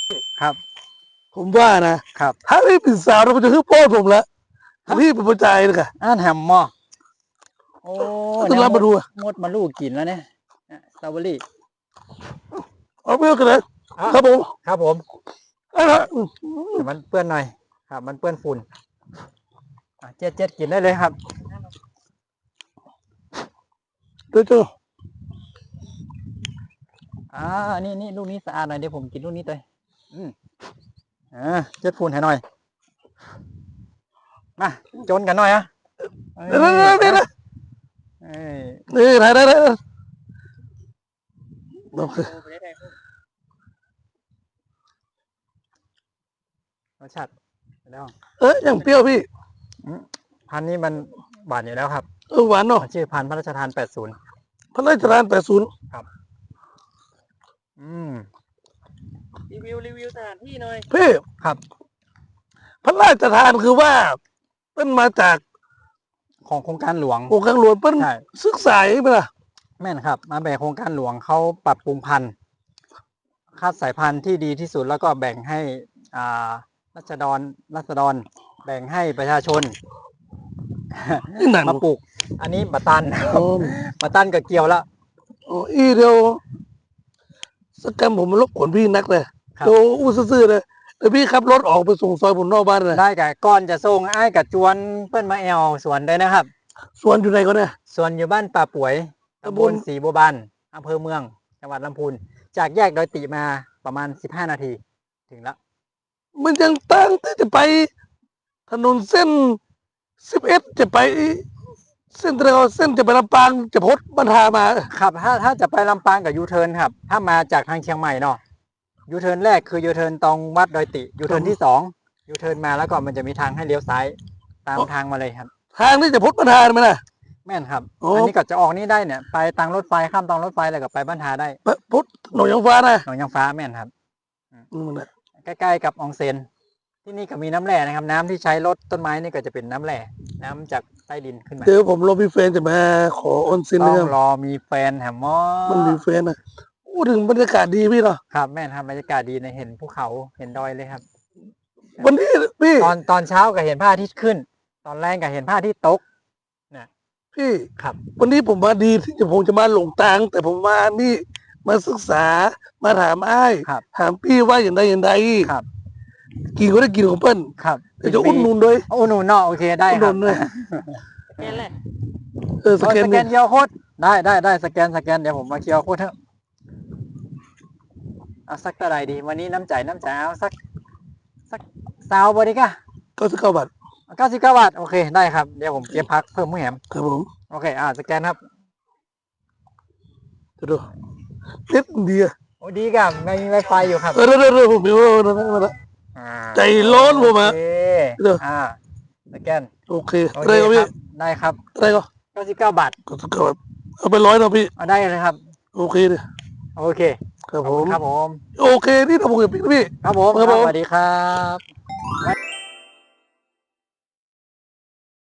ครับผมว่านะครับถ้าพี่เป็นสาวเราจะคือพ่อผมละพี่เป็นผู้ชายนะกะอ่านแฮมมอโอ้ต้องรับมาดูอะมดมาลูกกินแล้วเนี่ยสตรอเบอรี่เอาไปกันเลยอ่ะครับผมครับผมเอาละแต่มันเปื้อนหน่อยครับมันเปื้อนฝุ่นเจ็ดกินได้เลยครับเดี๋ยวเจอนี่ลูกนี้สะอาดหน่อยเดี๋ยวผมกินลูกนี้เลยเจ็ดฝุ่นให้หน่อยมาจนกันหน่อยอะเดี๋ยวนี่ถ่ายได้โอเครสชาติแล้วอย่างเปรี้ยวพี่พันธุ์นี้มันหวานอยู่แล้วครับหวานเนาะมันชื่อพันธุ์พระราชทาน80 พระราชทาน80 ครับรีวิวสถานที่หน่อยพี่ครับพระราชทานคือว่าเป็นมาจากของโครงการหลวงองค์การหลวงเป็นใช่ศึกษาไหมล่ะแม่นครับมาแบ่งโครงการหลวงเขาปรับปรุงพันธุ์คัดสายพันธุ์ที่ดีที่สุดแล้วก็แบ่งให้รัษฎรแบ่งให้ประชาชนนี่หนังมาปลูก อันนี้บัตตันอ๋อบัตตันกับเกียวแล้วเดียวสกกรรมผมมันรบกวนพี่นักเลยครับโอ้อู้ซื่อๆเลยแต่พี่ขับรถออกไปส่งซอยผมนอกบ้านเลยได้กับก้อนจะส่งไอ้ายกับจวนเปิ้นมาแอวสวนได้นะครับสวนอยู่ไหนก็เนี่ยส่วนอยู่บ้านป่าป่วยตำตำบบ ลลศรีบัวบานอำเภอเมือง จังหวัดลำพูน จากแยกดอยติมาประมาณ15 นาที ถึงแล้วมันยังตั้งที่จะไปถนนเส้น11จะไป เส้นเร็วเส้นจะไปลำปางจะพดบรรทามาครับถ้าจะไปลำปางกับยูเทิร์นครับ ถ้ามาจากทางเชียงใหม่เนาะยูเทิร์นแรกคือยูเทิร์นตรงวัดดอยติยูเทิร์นที่2ยูเทิร์นมาแล้วก็มันจะมีทางให้เลี้ยวซ้ายตามทางมาเลยครับทางที่จะพดบรรทาไหมล่ะแม่นครับโอ้อันนี้ก็จะออกนี่ได้เนี่ยไปทางรถไฟข้ามทางรถไฟแล้วก็ไปบ้านทาได้พดหนองยางฟ้านะหนองยางฟ้าแม่นครับนั่นแหละใกล้ๆกับอองเซนที่นี่ก็มีน้ำแร่นะครับ น้ำที่ใช้รดต้นไม้นี่ก็จะเป็นน้ำแร่น้ำจากใต้ดินขึ้นมาเดี๋ยวผมรอพี่เฟนจะมาขอออนซินต้นะอครังบรอมีแฟนแฮมมอมันมีเฟนนะพูดถึงบรรยากาศดีพี่เนาะครับแม่นครับบรรยากาศดีในะเห็นภูเขาเห็นดอยเลยครับวันนี้พี่ตอนเช้าก็เห็นพระอาทิตย์ขึ้น ตอนแรกก็เห็นพระอาทิตย์ตกพี่ครับวันนี้ผมมาดีที่ผมจะมาหลงตังแต่ผมมานี่มาศึกษามาถามอ้ายครับถามพี่ว่าอย่างใดอย่างใดครับกินก็ได้กินของเปิ้ลครับเดี๋ยวจะอุ่นนุนด้วยอุ่นนุนเนาะโอเคได้อุ่นคนุรับนด้วยแค่แหละสแกนสแกนเคียวโคดได้สแกนเดี๋ยวผมมาเคียวโคดเถอะเอาสักเท่าไหร่ดี วันนี้น้ำใจเอาสักซาวบอดีกะ 99 บาท 99 บาทโอเคได้ครับเดี๋ยวผมเก็บพักเพิ่มมือแหมครับผมโอเคสแกนครับจะดูเน็ตดีอะโอ้ดีกับไม่มี Wi-Fi อยู่ครับเดี๋ยวผมมีว่าใจร้อนผมอะโอเคเดี๋ยวสแกนโอเคโอเคได้ก็คพี่รับได้ครับได้ก็ 99 บาท 99 บาทเอาไป100เนาะพี่เอาได้เลยครับโอเคเลยโอเคครับผมครับผมโอเคนี่ถ้าผมเห็นพี่ครับผมครับผมสวัสดีครับ